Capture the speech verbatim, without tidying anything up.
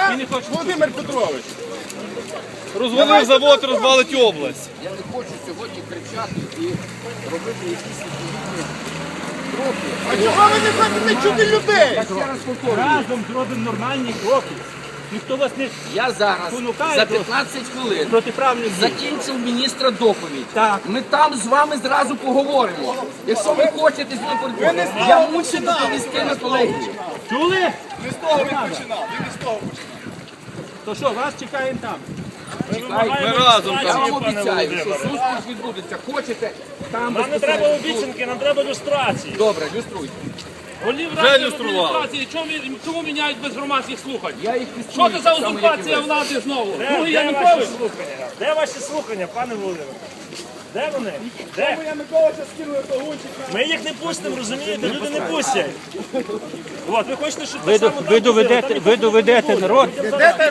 Володимир Петрович. Розвалив завод, розвалить область. Я не хочу сьогодні кричати і робити якісь відповідні кроки. А чого ви не хочете чути людей? Я ще раз повторюю. Разом зробимо нормальні кроки. Ніхто вас не Я зараз Спонукає за до п'ятнадцять хвилин протиправних дій. закінчив міністра доповідь. Так. Ми там з вами зразу поговоримо. Якщо ви хочете з ним поговорити, я мушу доповісти на колегію. Чули? Не з того він починав, він не з того починав. То що, вас чекаємо там. Ми разом Я там. вам обіцяю, що зустріч відбудеться. Хочете, там Нам не треба безпосередньо. обіцянки, нам треба люстрації. Добре, люструйте. Голів Вже ради люстрували. адміністрації, чому, чому міняють без громадських слухань? Я їх Що люструю. це за так само, як і узурпація ви. влади знову? Де, Другий де ваші Янукович? слухання? Де ваші слухання, пане Володимире? Де вони? Де? Януковича скинули до гунчика. Ми їх не пустимо, розумієте? Люди не пустять. От, ви хочете, щоб Ви, так само ви, там було? доведете, Там ви доведете народ.